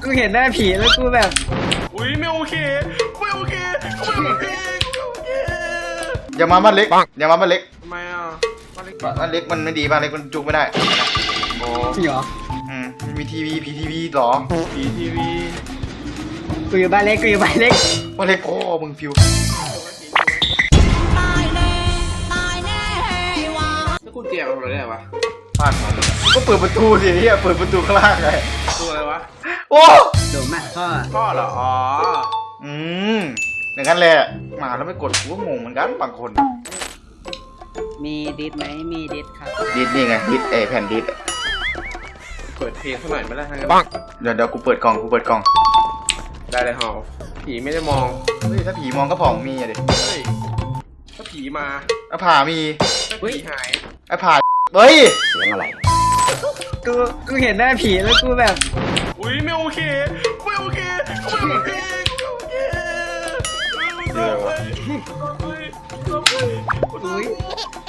กูเห็นหน้าผีแล้วกูแบบอุ้ยไม่โอเคไม่โอเคไม่โอเคไม่โอเคอย่ามาบ้านเล็กอย่ามาบ้านเล็กทำไมอ่ะบ้านเล็กบ้านเล็กมันไม่ดีบ้านเล็กมันจุกไม่ได้โอ้จริงเหรอมีทีวีผีทีวีหรอผีทีวีกูอยู่บ้านเล็กกูอยู่บ้านเล็กบ้านเล็กพ่อมึงฟิวแล้วคุณเจียบอะไรได้วะบ้านของมึงก็เปิดประตูสิเฮียเปิดประตูข้างล่างไงตัวอะไรวะโอ้โดนมากพ่อพ่อเหรออ๋ออย่างนั้นแหละมาแล้วไม่กดกูก็งงเหมือนกันบางคนมีดิสไหมมีดิสครับดิสนี่ไงดิสแผ่นดิสเปิดเพลงสักหน่อยไม่ได้ทั้งนั้นเดี๋ยวกูเปิดกล่องได้เลยฮอผีไม่ได้มองเฮ้ยถ้าผีมองก็ผ่องมีอะดิเฮ้ยถ้าผีมาอะผ่ามีถ้าผีหายอะผ่าเฮ้ยกูเห็นหน้าผีแล้วกูแบบอุ้ยไม่โอเคไม่โอเคไม่โอเคไม่โอเคเดี๋ยววะอุ้ย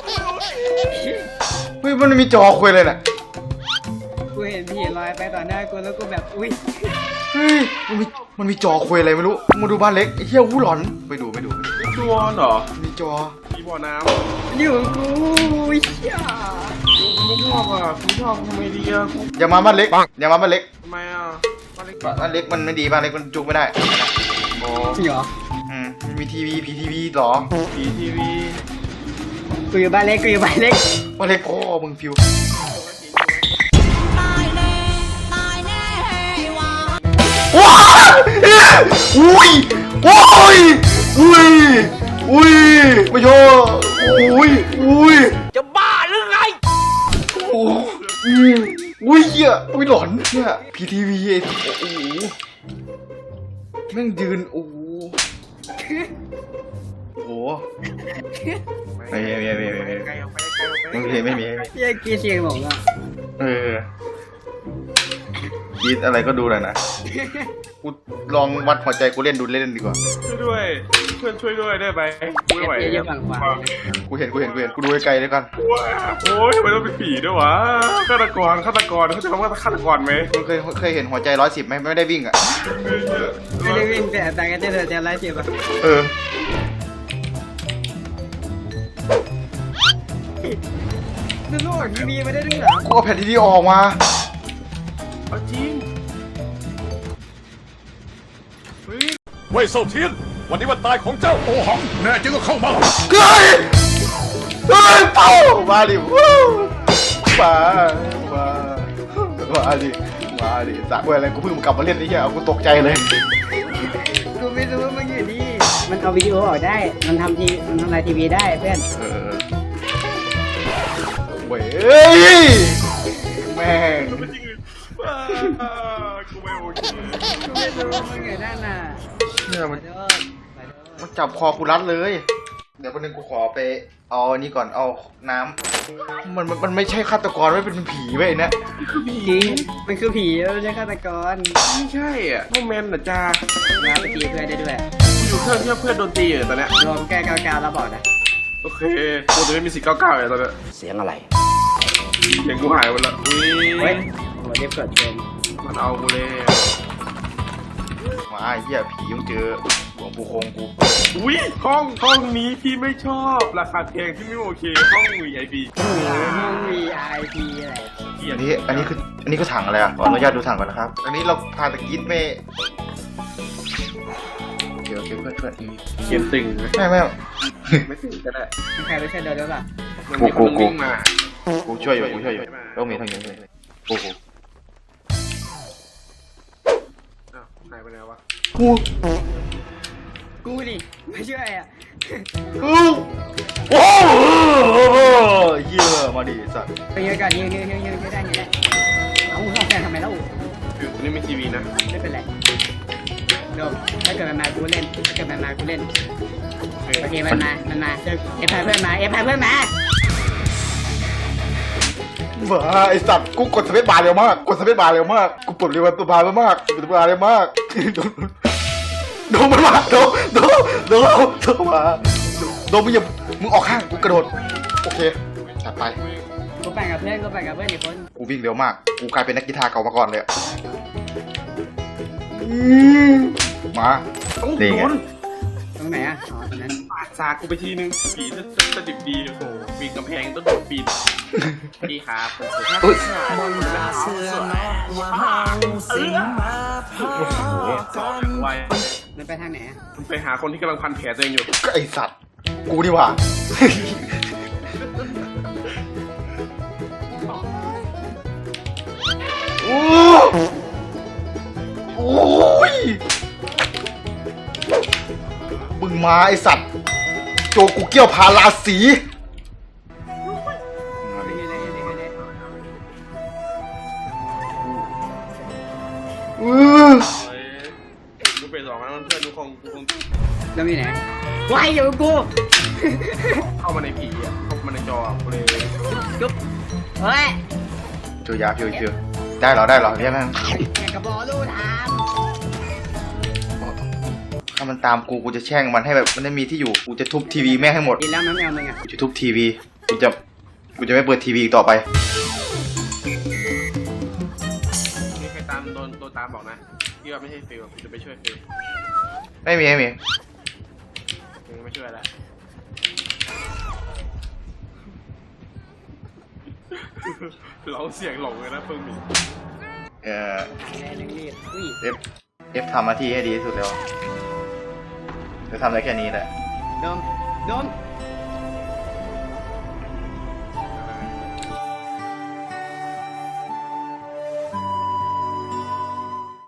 เฮ้ยมันมีจอคุยเลยน่ะกูเห็นผีลอยไปต่อหน้ากูแล้วกูแบบอุ้ยเฮ้ยมันมีจอคุยอะไรไม่รู้มาดูบ้านเล็กไอ้เหี้ยหูหลอนไปดูตัวเหรอมีจอผีบ่อน้อยู่กับกูเชี่ยำไม่ชอบอ่ะคุณชอบทำไมดีอ่ะอย่ามาบ้านเล็กอย่ามาบ้านเล็กทำไมอ่ะบ้านเล็กบ้านเล็กมันไม่ดีบ้านเล็กมันจุกไม่ได้โอ้จริงเหรอมีทีวีผีทีวีหรอผีทีวีกูอยู่บ้านเล็กกูอยู่บ้านเล็กบ้านเล็กพ่อมึงฟิวว้าอุ้ยไม่โยอุ้ยจะบ้าหรือไงอุ้ยเหี้ยอุ้ยหลอนเนี่ยพีทีวีโอ้โหแม่งยืนโอ้โหไม่มีไกลออกไปไกลออกไปไม่มีเชี่ยกีเสียงหลงอ่ะยีดอะไรก็ดูหน่อยนะกูลองวัดหัวใจกูเล่นดีกว่าช่วยด้วยเพื่อนช่วยด้วยได้ไหมไม่ไหวเยอะฝั่งขวากูเห็นกูดูไกลๆด้วยกันโอ้ยทำไมต้องเป็นผีด้วยวะฆาตกรเขาจะทำว่าฆาตกรไหมมึงเคยเห็นหัวใจ110ไหมไม่ได้วิ่งอ่ะไม่ได้วิ่งแต่ต่างกันเจอไล่เจ็บอ่ะเออดูลูกทีวีไม่ได้ด้วยเหรอกูเอาแผ่นทีวีออกมาเอาจริงเฮ้ยเว่ยเซาเทียน วันนี้วันตายของเจ้าโอหัง แน่จริงก็เข้ามาเฮ้ยเป้ามาดิวู้มาดิสักเวลอะไรกูเพิ่งกลับมาเล่นนี่เหี้ยเอากูตกใจเลยกูไม่รู้ว่ามันอยู่นี่มันเอาวิดีโอออกได้มันทำลายทีวีได้เพื่อนเว้ยแม่งกูไม่โอเคกูไม่รู้ว่ามันอยู่นั่นน่ะเนี่ยมันขอโทษมันจับคอกูรัดเลย เดี๋ยววันนึงกูขอไปเอาอันนี้ก่อนเอาน้ำมันไม่ใช่ฆาตกรไม่เป็นผีเว้ยเนี่ยจริงมันคือผีไม่ใช่ฆาตกรไม่ใช่อ่ะพวกแมนน่ะจ้ามาไปตีเพื่อนได้ด้วยอยู่เพื่อนโดนตีอยู่ตอนเนี้ยรวมแก้กาวแล้วบอกนะโอเคกูจะไม่มีสิทธิ์ก้าวเลยตอนเนี้ยเสียงอะไรเสียงกูหายหมดละอุ้เฮ้ยยโหเรียบเกิดเกินมันเอากูเลยมาไอ้เหี้ยผียังเจอหลวงปู่คงกูอุ้ยห้องนี้พี่ไม่ชอบราคาแพงที่ไม่โอเคห้อง VIP ห้อง VIP อะไรอันนี้คือถังอะไรอ่ะขออนุญาตดูถังก่อนนะครับ อันนี้เราพาตะกี้ไม่เดี๋ยวเพื่อนเขียนตึงไหมไม่ไม่ตึงก็ได้ใครไม่ใช่โดนหรือเปล่ามันมีคนวิ่งมากูช่วยอยู่ต้องมีทางนี้ด้วยกูอ้าวหายไปไหนวะกูดิไม่ช่วยอ่ะโอ้เหี้ยมาดิสัตว์ไปยืนก่อนยืนได้เอาห้องแฟนทำไมแล้วอยู่ตรงนี้มีทีวีนะไม่เป็นไรโดมถ้าเกิดมันมากูเล่นโอเคมันมาเอฟพาเพื่อนมาบ้าไอสัตว์กูกดสเปซบาร์เร็วมากกูปลดเร็วตัวบาร์มากโดนมันมาโดนมามึงออกข้างกูกระโดดโอเคจัดไปกูไปกับเพื่อนอีกคนกูวิ่งเร็วมากกูกลายเป็นนักกีฬาเก่ามาก่อนเลยมาต้องนี่โดไงนตรงไหนอ่ะอ๋อตรงนั้นปาดสากกูไปทีนึงผีจะดิบดีโอ้โหปีนกำแพงต้องโดดปีนพี่ครับคนสวยอุ้ยไวมันไปทางไหนอ่ะมันไปหาคนที่กำลังพันแผลตัวเองอยู่ก็ไอสัตว์ กูนี่หว่า โอ้โอ้ยมึงมาไอสัตว์ โจกูเกี่ยวพาราสีนี่เลยนี่เลยกูเป็นสองแล้วเพื่อนทุกคนกูคงแล้วมีไหนวายอยู่กับกูเข้ามาในผีอ่ะเข้ามาในจอกูเลยจุ๊บเฮ้ยโจยาเพียวเชียวได้เหรอ ได้เหรอเรียกนั่นแกกระบอกลูกทามถ้ามันตามกู กูจะแช่งมันให้แบบมันไม่มีที่อยู่ กูจะทุบทีวีแม่งให้หมดกินแล้วมันไม่เอามึงอ่ะกูจะทุบทีวี กูจะไม่เปิดทีวีอีกต่อไปนี่ใครตามโดนตามบอกนะพี่ว่าไม่ใช่ฟิลกูจะไปช่วยฟิลไม่มี ไม่มีไม่ช่วยแล้วร้องเสียงหลงเลยนะเพิ่งมีเออแรงรีดอุ้ย F ทำหน้าที่ให้ดีที่สุดแล้วจะทำได้แค่นี้แหละโดมโดม